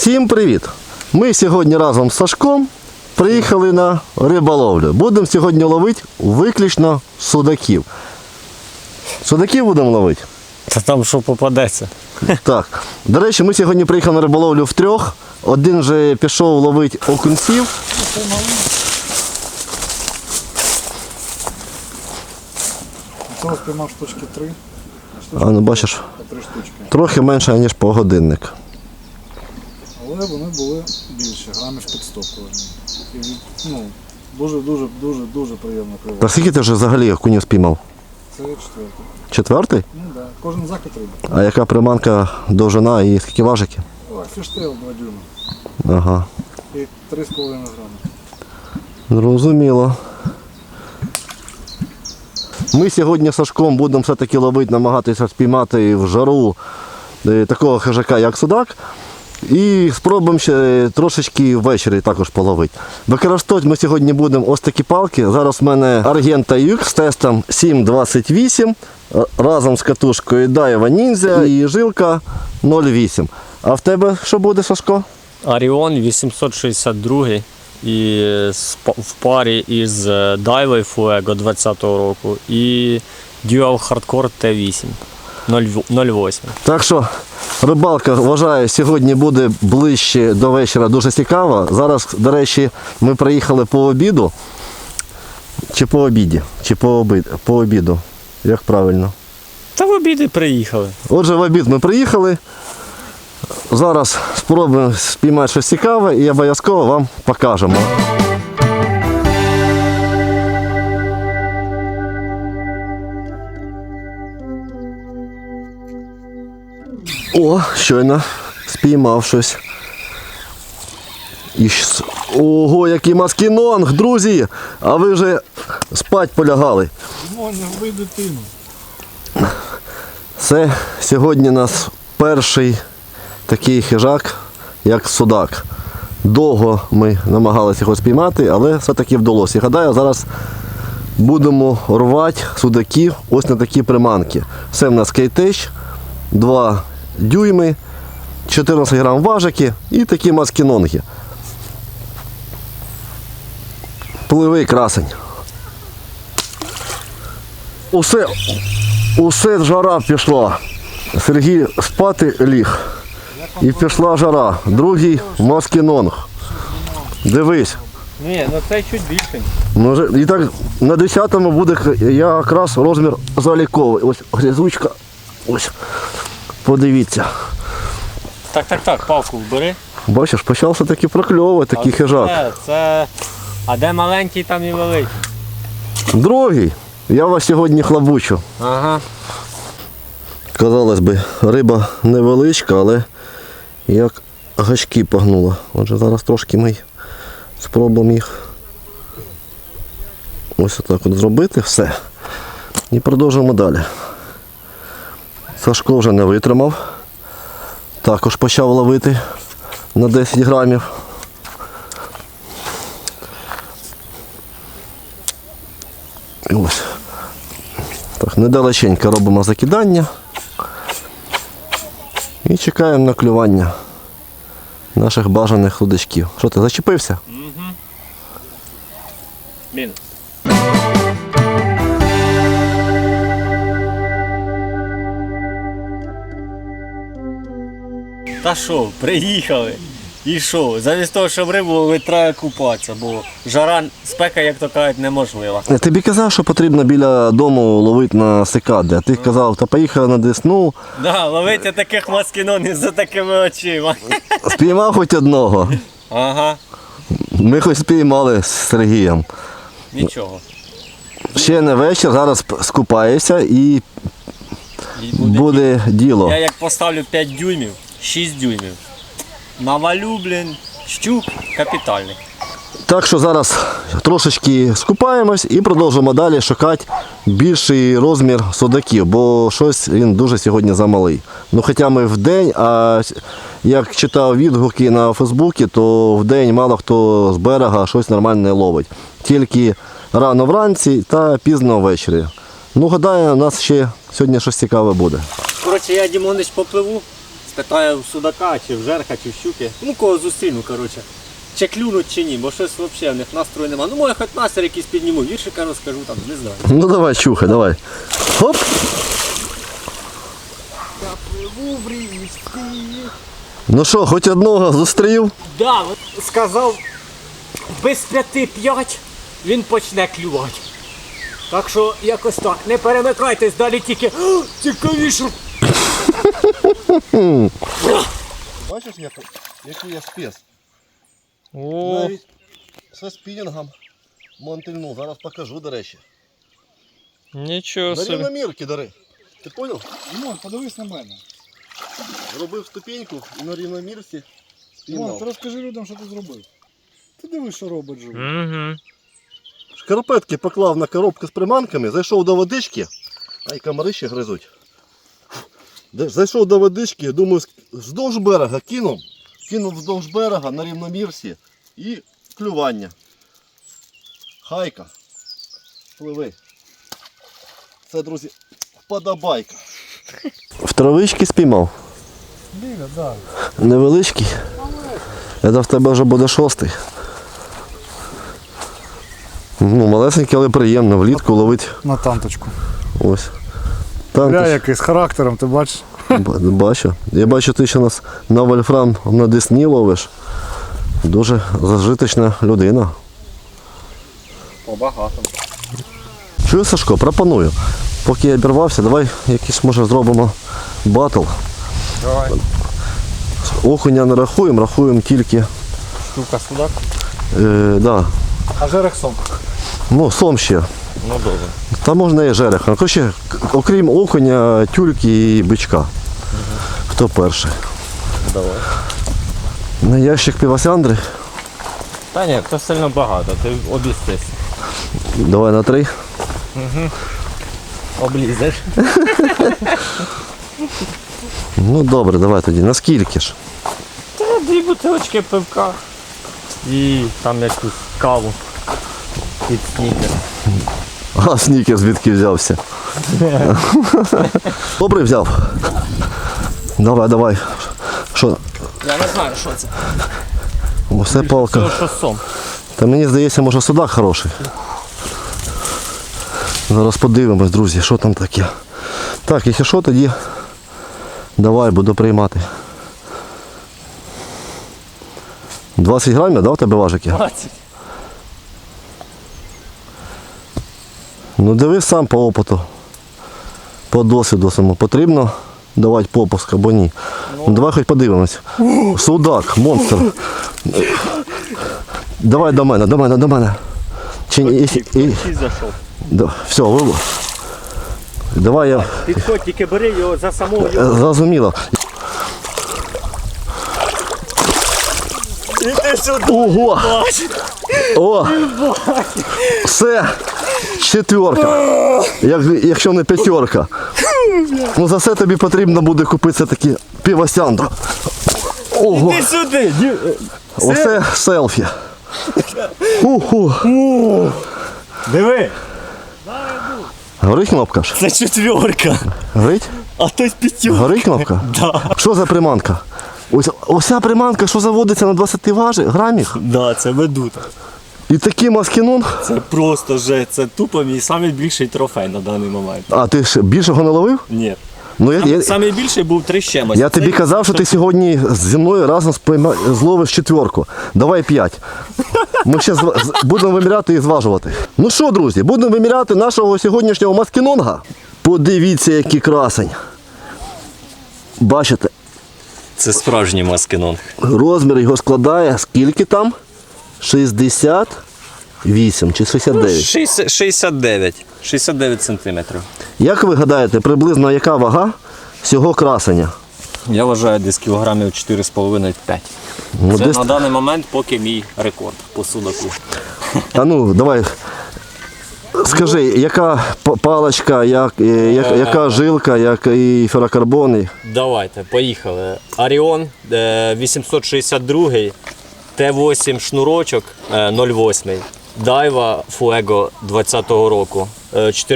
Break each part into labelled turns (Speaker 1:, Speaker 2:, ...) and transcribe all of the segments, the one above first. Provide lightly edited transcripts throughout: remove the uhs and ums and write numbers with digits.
Speaker 1: Всім привіт! Ми сьогодні разом з Сашком приїхали на риболовлю. Будемо сьогодні ловити виключно судаків. Судаків будемо ловити?
Speaker 2: Та там що попадеться.
Speaker 1: Так. До речі, ми сьогодні приїхали на риболовлю втрьох. Один вже пішов ловити окунців.
Speaker 3: Цього спіймав штучки 3.
Speaker 1: А ну бачиш,
Speaker 3: По 3 штучки.
Speaker 1: трохи менше, ніж по годинник.
Speaker 3: Але вони були більше, грамів під 100 кожен. І дуже приємно
Speaker 1: А
Speaker 3: клювати.
Speaker 1: скільки ти вже взагалі окунів спіймав?
Speaker 3: Це 4-й.
Speaker 1: Четвертий?
Speaker 3: Ну так, да. Кожен закид риби.
Speaker 1: А яка приманка, довжина і скільки важиків?
Speaker 3: О, фіштейл 2 дюйма.
Speaker 1: Ага.
Speaker 3: І 3,5 грами.
Speaker 1: Зрозуміло. Ми сьогодні з Сашком будемо все-таки ловити, намагатися спіймати в жару такого хижака, як судак. І спробуємо ще трошечки ввечері також половити. Використовувати ми сьогодні будемо ось такі палки. Зараз в мене Argenta UX з тестом 7,28 разом з катушкою Daiwa Ninja і жилка 0,8. А в тебе що буде, Сашко?
Speaker 2: Оріон 862 і в парі із Daiwa Fuego 20-го року і Dual Hardcore T8 0,8.
Speaker 1: Так що рибалка, вважаю, сьогодні буде ближче до вечора, дуже цікава. Зараз, до речі, ми приїхали по обіду. Чи по обіді? Чи по обіду? Як правильно?
Speaker 2: Та в обіди приїхали.
Speaker 1: Отже, в обід ми приїхали. Зараз спробуємо спіймати щось цікаве і обов'язково вам покажемо. О, щойно спіймав щось. Ого, який маскінонг, друзі! А ви вже спать полягали.
Speaker 3: Можна вбити дитину.
Speaker 1: Це сьогодні у нас перший такий хижак, як судак. Довго ми намагалися його спіймати, але все-таки вдалося. І гадаю, зараз будемо рвати судаків ось на такі приманки. Це в нас Кейтеч, 2 дюйми, 14 грам важики і такі маскінонги. Пливий красень. Усе жара пішла. Сергій спати ліг. І пішла жара. Другий маскінонг. Дивись.
Speaker 2: Ні, ну це чуть більше.
Speaker 1: І так на 10-му буде якраз розмір заліковий. Ось грязучка. Ось. Подивіться.
Speaker 2: Так, палку вбери.
Speaker 1: Бачиш, почав все-таки прокльовувати такий хижак.
Speaker 2: А де маленький, там і великий.
Speaker 1: Другий. Я вас сьогодні хлабучу.
Speaker 2: Ага.
Speaker 1: Казалось би, риба невеличка, але як гачки погнула. Отже, зараз трошки ми спробуємо їх ось отак от зробити. Все. І продовжуємо далі. Сашко вже не витримав. Також почав ловити на 10 грамів. І ось. Так, недалеченько робимо закидання. І чекаємо на клювання наших бажаних судачків. Що ти, зачепився?
Speaker 2: Мінус. Та що, приїхали. І що? Замість того, щоб рибу ловити, треба купатися, бо жара, спека, як то кажуть, неможлива.
Speaker 1: Я тобі казав, що потрібно біля дому ловити на сикади, а ти казав, та поїхав на Десну,
Speaker 2: Да, ловити таких маскінонів за такими очима.
Speaker 1: спіймав хоч одного.
Speaker 2: Ага,
Speaker 1: Ми хоч спіймали з Сергієм.
Speaker 2: нічого.
Speaker 1: Ще не вечір, зараз скупаєшся і
Speaker 2: І
Speaker 1: буде діло.
Speaker 2: Я як поставлю 5 дюймів, 6 дюймів, навалю, щук капітальний.
Speaker 1: Так що зараз трошечки скупаємось і продовжимо далі шукати більший розмір судаків, бо щось він дуже сьогодні замалий. Ну хоча ми в день, а як читав відгуки на Фейсбуці, то в день мало хто з берега щось нормальне ловить. Тільки рано вранці та пізно ввечері. Ну гадаю, у нас ще сьогодні щось цікаве буде.
Speaker 2: Коротше, я, Дімонич, попливу Спитаю в судака, чи в жерха, чи в щуки. Ну кого зустріну, коротше. Чи клюнуть, чи ні, бо щось взагалі в них настрою нема. Ну може хоч настрій якийсь підніму, віршика розкажу, там, не знаю.
Speaker 1: Ну давай, чухай, давай. Хоп. Ну що, хоч одного зустрів?
Speaker 2: Да, от сказав, без 5-5 він почне клювати. Так що якось так, не перемикайтесь, далі тільки цікавіше.
Speaker 1: Бачиш, який я спец?
Speaker 2: О,
Speaker 1: Навіть зі спінінгом монтильну. Зараз покажу, до речі.
Speaker 2: нічого
Speaker 1: На
Speaker 2: собі.
Speaker 1: рівномірки, дари. Ти поняв?
Speaker 3: Дімон, подивись на мене.
Speaker 1: Робив ступеньку і на рівномірці
Speaker 3: Дімон, ти
Speaker 1: спіймав.
Speaker 3: розкажи людям, що ти зробив. Ти дивись, що робить живо.
Speaker 2: Угу.
Speaker 1: Шкарпетки поклав на коробку з приманками, зайшов до водички, а й комари ще гризуть. Зайшов до водички, думаю, вздовж берега кинув вздовж берега на рівномірці і клювання. Хайка. Пливи. Це, друзі, вподобайка. В травички спіймав.
Speaker 3: Біля, так.
Speaker 1: Невеличкий. Це в тебе вже буде 6-й. Ну, малесенький, але приємно. Влітку ловить.
Speaker 3: На танточку.
Speaker 1: Ось.
Speaker 3: Бля,
Speaker 1: Там
Speaker 3: який з характером, ти бачиш?
Speaker 1: бачу. Я бачу, ти ще нас на вольфрам на Десні ловиш. Дуже зажиточна людина.
Speaker 2: Побагато.
Speaker 1: Чую, Сашко, пропоную. Поки я обірвався, давай якийсь, може, зробимо батл.
Speaker 2: Давай.
Speaker 1: Окуня не рахуємо, рахуємо тільки.
Speaker 2: Штука судак?
Speaker 1: Да.
Speaker 3: А жерех сом.
Speaker 1: Ну, сом ще.
Speaker 2: Ну добре.
Speaker 1: Та можна і жереха. Коротше, окрім окуня, тюльки і бичка. Хто перший?
Speaker 2: Давай.
Speaker 1: На ящик півосяндри.
Speaker 2: Та ні, це сильно багато, ти обістись.
Speaker 1: Давай на 3.
Speaker 2: Облізеш.
Speaker 1: Ну добре, давай тоді. Наскільки ж?
Speaker 2: Та 2 бутилочки пивка. І там якусь каву. Під снікер.
Speaker 1: А снікер звідки взявся? Добре взяв. Давай. Що?
Speaker 2: Я не знаю, що це.
Speaker 1: Усе палка.
Speaker 2: Це що сом.
Speaker 1: Та мені здається, може судак хороший. Зараз подивимось, друзі, що там таке. Так, якщо що, тоді давай, буду приймати. 20 грамів, да, в тебе важики?
Speaker 2: 20.
Speaker 1: Ну дивись сам по опиту. По досвіду самому. Потрібно давати попуск або ні. Ну, давай хоч подивимось. Судак, монстр. Давай до мене. Чи ні?
Speaker 2: Зайшов.
Speaker 1: Все, вило. Давай я.
Speaker 2: Підходь, тільки бери його за самого його.
Speaker 1: Зрозуміло.
Speaker 2: Іди сюди.
Speaker 1: Ого! О! Все! 4. Якщо не 5. Ну за це тобі потрібно буде купити такі півосяндру. Ого!
Speaker 2: Іди сюди.
Speaker 1: Оце селфі. Уху.
Speaker 2: Диви.
Speaker 1: Горить кнопка ж?
Speaker 2: Це 4.
Speaker 1: Горить?
Speaker 2: А то 5.
Speaker 1: Горить кнопка?
Speaker 2: Да.
Speaker 1: Що за приманка? Ося приманка, що заводиться на 20 грамів?
Speaker 2: Да, це ведута.
Speaker 1: І такий маскінонг?
Speaker 2: Це просто же, це тупо мій найбільший трофей на даний момент.
Speaker 1: А ти ж більшого не ловив?
Speaker 2: Ні.
Speaker 1: Ну,
Speaker 2: Найбільший був 3 з чимось.
Speaker 1: я тобі казав, що ти сьогодні зі мною разом зловиш 4. Давай 5. Ми ще будемо виміряти і зважувати. Ну що, друзі, будемо виміряти нашого сьогоднішнього маскінонга. Подивіться, який красень. Бачите,
Speaker 2: Це справжній маскінонг.
Speaker 1: розмір його складає скільки там? 68 чи 69.
Speaker 2: 69 сантиметрів.
Speaker 1: Як ви гадаєте, приблизно яка вага цього красення?
Speaker 2: Я вважаю десь кілограмів 4,5-5.
Speaker 1: Ну,
Speaker 2: Це
Speaker 1: десь...
Speaker 2: на даний момент поки мій рекорд по судаку.
Speaker 1: А ну, давай. Скажи, яка паличка, яка жилка, який ферокарбон?
Speaker 2: Давайте, поїхали. Оріон 862, Т8 шнурочок 0,8. Дайва Fuego 20-го року,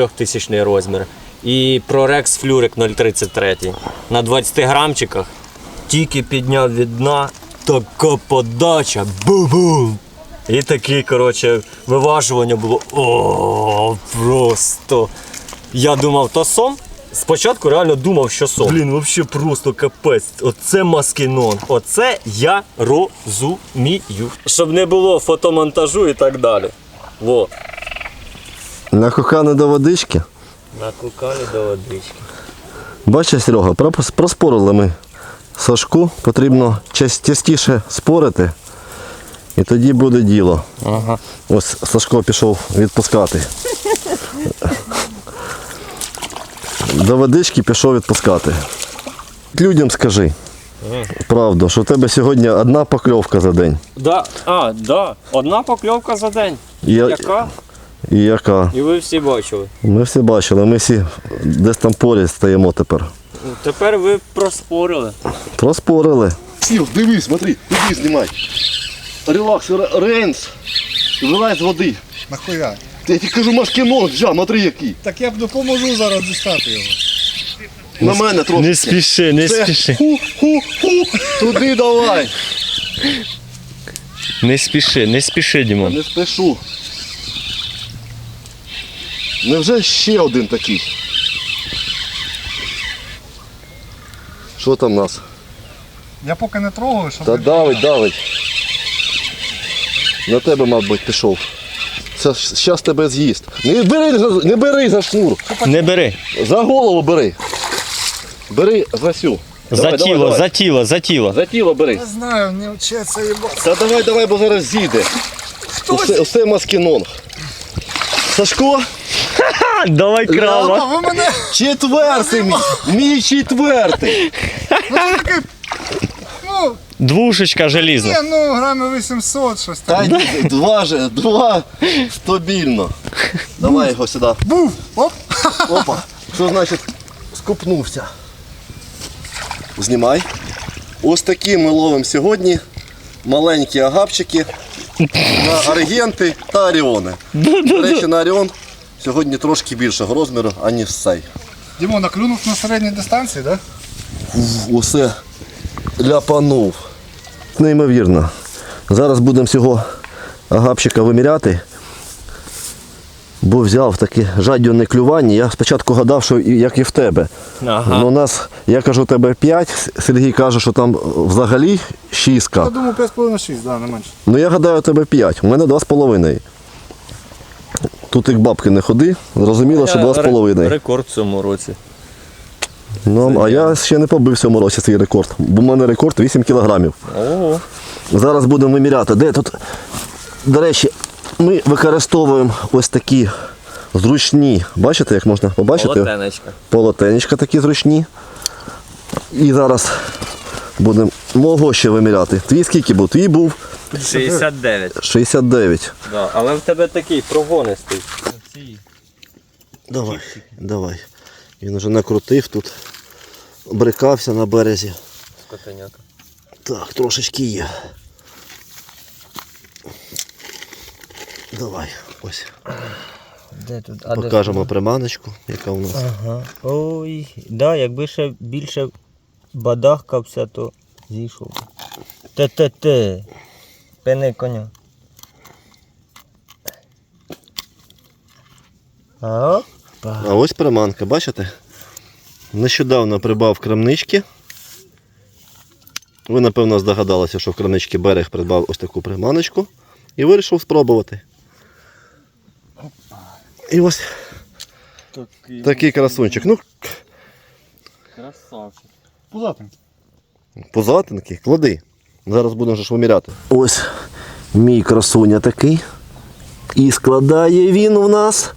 Speaker 2: 4000 розмір. І Prorex Флюрик 0,33. На 20 грамчиках
Speaker 4: тільки підняв від дна, така подача, бу-бум! І таке, коротше, виважування було, просто. Я думав, то сом. Спочатку реально думав, що сон. Блін, взагалі просто капець. Оце маскінон. Оце я розумію. Щоб не було фотомонтажу і так далі. Во.
Speaker 1: Накоханий до водички.
Speaker 4: Накукали до водички.
Speaker 1: Бачиш, Серега, проспорили ми Сашку. Потрібно частіше спорити. І тоді буде діло.
Speaker 4: Ага.
Speaker 1: Ось Сашко пішов відпускати. До водички пішов відпускати. Людям скажи правду, що в тебе сьогодні одна покльовка за день.
Speaker 4: Да. Одна покльовка за день. Яка?
Speaker 1: І яка?
Speaker 4: І ви всі бачили.
Speaker 1: Ми всі бачили, ми всі десь там поряд стоїмо тепер.
Speaker 4: Тепер ви проспорили.
Speaker 1: Проспорили. Сів, дивись, смотри, іди знімай. Релакс, рейнс. Вилазь з води.
Speaker 3: Нахуя?
Speaker 1: Я тобі кажу, маскінон, смотри який.
Speaker 3: Так я б допоможу зараз дістати його.
Speaker 1: На мене трошки.
Speaker 4: Не спіши, не
Speaker 1: Це
Speaker 4: спіши.
Speaker 1: Ху-ху-ху. Туди давай.
Speaker 4: Не спіши, Дімон.
Speaker 1: Не спішу. Невже ще один такий? Що там у нас?
Speaker 3: Я поки не трогаю, щоб...
Speaker 1: Та давить. На тебе, мабуть, пішов. Зараз тебе з'їсть. Не бери за шнур.
Speaker 4: Не бери.
Speaker 1: За голову бери. Бери за сю.
Speaker 4: За тіло.
Speaker 1: За тіло бери.
Speaker 3: Не знаю, не вчиться їбати.
Speaker 1: Та давай, бо зараз з'їде. Усе маскінонг. Сашко?
Speaker 4: Давай крава.
Speaker 3: Ви мене...
Speaker 1: Четвертий мій. Мій четвертий.
Speaker 3: Ну,
Speaker 4: Двушечка желізна.
Speaker 3: ну, грамів 800, щось
Speaker 1: Та
Speaker 3: там.
Speaker 1: ні, два стабільно. Давай його сюди.
Speaker 3: Був! Оп!
Speaker 1: Опа. Що значить скупнувся? Знімай. Ось такі ми ловимо сьогодні маленькі агапчики на аргенти та оріони. До речі, на оріон сьогодні трошки більшого розміру, аніж цей.
Speaker 3: Дімон, наклюнув на середній дистанції, так?
Speaker 1: Усе ляпанув. Неймовірно. Зараз будемо цього агапчика виміряти. Бо взяв таке жадібне клювання. Я спочатку гадав, що як і в тебе.
Speaker 4: Ага.
Speaker 1: Ну, у нас, я кажу, у тебе 5, Сергій каже, що там взагалі 6.
Speaker 3: Я думаю, 5,5-6, да, не менше.
Speaker 1: Ну я гадаю, у тебе 5, у мене 2,5. Тут як бабки не ходи, зрозуміло, що 2,5.
Speaker 4: Рекорд в цьому році.
Speaker 1: Ну, а я ще не побив в цьому році свій рекорд, бо в мене рекорд 8 кілограмів.
Speaker 4: Ого.
Speaker 1: Зараз будемо виміряти. Де тут? До речі, ми використовуємо ось такі зручні, бачите, як можна побачити?
Speaker 4: Полотенечка.
Speaker 1: Полотенечка такі зручні. І зараз будемо мого ще виміряти. Твій скільки був? Твій був
Speaker 4: 69.
Speaker 1: 69.
Speaker 4: Да. Але в тебе такий прогонистий.
Speaker 1: Давай. Він вже накрутив тут, брикався на березі.
Speaker 4: Скотеняка.
Speaker 1: Так, трошечки є. Давай, ось.
Speaker 4: Де тут?
Speaker 1: Покажемо приманочку, яка у нас.
Speaker 4: Ага. Ой, да, якби ще більше бадахкався, то зійшов. Те. Пини коня. Опа.
Speaker 1: А ось приманка, бачите? Нещодавно придбав в крамничці. Ви, напевно, здогадалися, що в крамничці Берег придбав ось таку приманочку і вирішив спробувати. І ось такий красунчик. Ну,
Speaker 4: Красавчик.
Speaker 3: Пузатенький.
Speaker 1: позатинки, клади. Зараз будемо ж виміряти. Ось мій красуня такий. І складає він у нас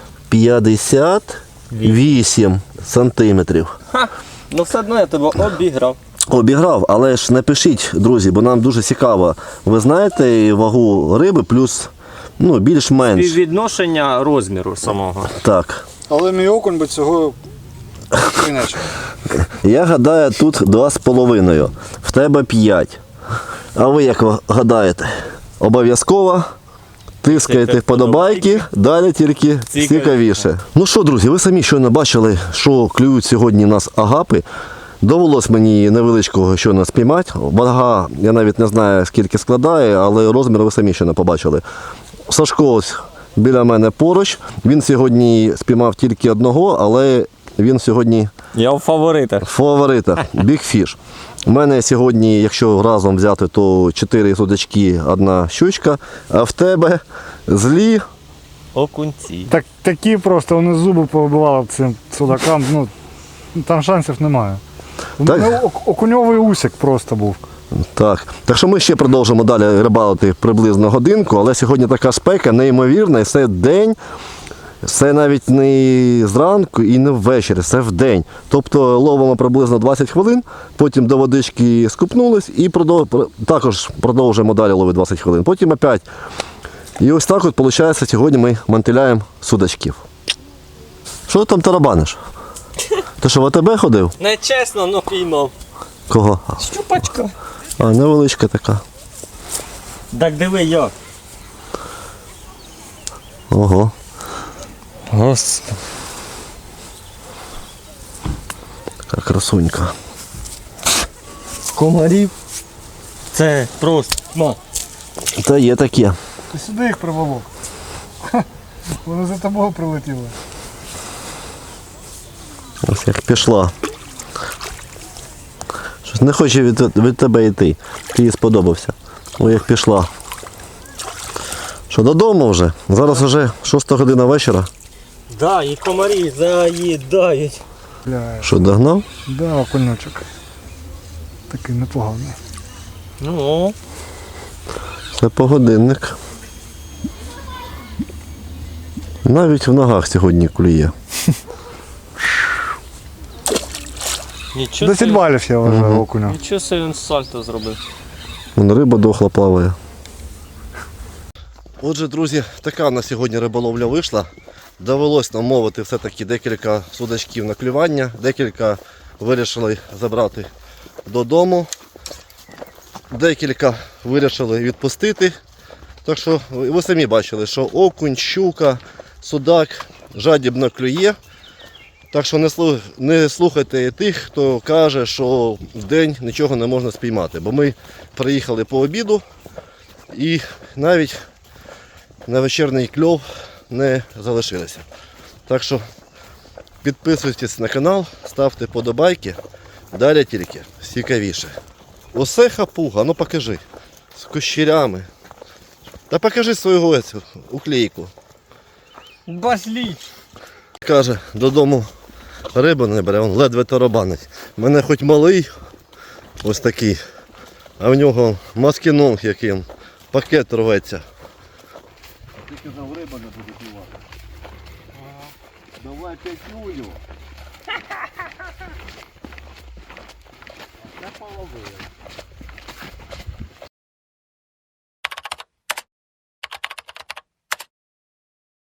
Speaker 1: 58 сантиметрів.
Speaker 4: Ха! Ну все одно я тебе обіграв.
Speaker 1: Обіграв, але ж напишіть, друзі, бо нам дуже цікаво. Ви знаєте вагу риби плюс, ну, більш-менш.
Speaker 4: Співвідношення розміру самого.
Speaker 1: Так.
Speaker 3: Але мій окунь би цього іначе.
Speaker 1: Я гадаю, тут 2,5. В тебе 5. А ви як гадаєте? Обов'язково тискаєте вподобайки, далі тільки цікавіше. Ну що, друзі, ви самі щойно бачили, що клюють сьогодні у нас агапи. Довелось мені невеличкого щойно спіймати. Вага, я навіть не знаю, скільки складає, але розмір ви самі ще не побачили. Сашко ось біля мене поруч. Він сьогодні спіймав тільки одного, але він сьогодні
Speaker 4: Я в фаворитах.
Speaker 1: фаворита. Big Fish. У мене сьогодні, якщо разом взяти, то 4 судачки, 1 щучка, а в тебе злі.
Speaker 4: Окунці.
Speaker 3: Так, такі просто, вони зуби повибивали цим судакам, ну, там шансів немає.
Speaker 1: Так.
Speaker 3: Ну, окуньовий усік просто був.
Speaker 1: Так що ми ще продовжимо далі рибалити приблизно годинку, але сьогодні така спека неймовірна, і це день, це навіть не зранку і не ввечері, це в день. Тобто ловимо приблизно 20 хвилин, потім до водички скупнулись і також продовжуємо далі ловити 20 хвилин, потім опять. І ось так от, виходить, сьогодні ми мантиляємо судачків. Що ти там тарабаниш? Ти що, в АТБ ходив?
Speaker 4: Нечесно, но піймав.
Speaker 1: Кого?
Speaker 4: Щупачка.
Speaker 1: А, невеличка така.
Speaker 4: Так диви як.
Speaker 1: Ого.
Speaker 4: Господи.
Speaker 1: Така красунька.
Speaker 4: Комарів. Це просто. На.
Speaker 1: Та є таке.
Speaker 3: Ти сюди їх приволок. Вони за тобою прилетіли.
Speaker 1: Ось як пішла. Щось не хоче від тебе йти. Ти їй сподобався. Ой, як пішла. Що, додому вже? Зараз вже 6 година вечора.
Speaker 4: Да, і комарі заїдають.
Speaker 3: Бля,
Speaker 1: Що, догнав?
Speaker 3: да, окуньочок. Такий непоганий.
Speaker 4: Ну.
Speaker 1: Це погодинник. Навіть в ногах сьогодні клює.
Speaker 4: Нічого
Speaker 3: 10 балів я вважаю окуня.
Speaker 4: Нічого собі він сальто зробив.
Speaker 1: Вон риба дохла плаває. Отже, друзі, така на сьогодні риболовля вийшла. Довелось нам мовити все-таки декілька судачків на клювання, декілька вирішили забрати додому, декілька вирішили відпустити. Так що ви самі бачили, що окунь, щука, судак жадібно клює. Так що не слухайте тих, хто каже, що в день нічого не можна спіймати. Бо ми приїхали по обіду і навіть на вечірній кльов не залишилися. Так що підписуйтесь на канал, ставте подобайки, далі тільки цікавіше. Усе хапуга, ну покажи, з кущерями. Та покажи свою цю уклейку.
Speaker 4: Базліч.
Speaker 1: Каже, додому рибу не бере, він ледве тарабанить. У мене хоч малий, ось такий, а в нього маскінонг яким, пакет рветься. Ти казав, риба не буде клювати. Давай п'ятюню. Це половина.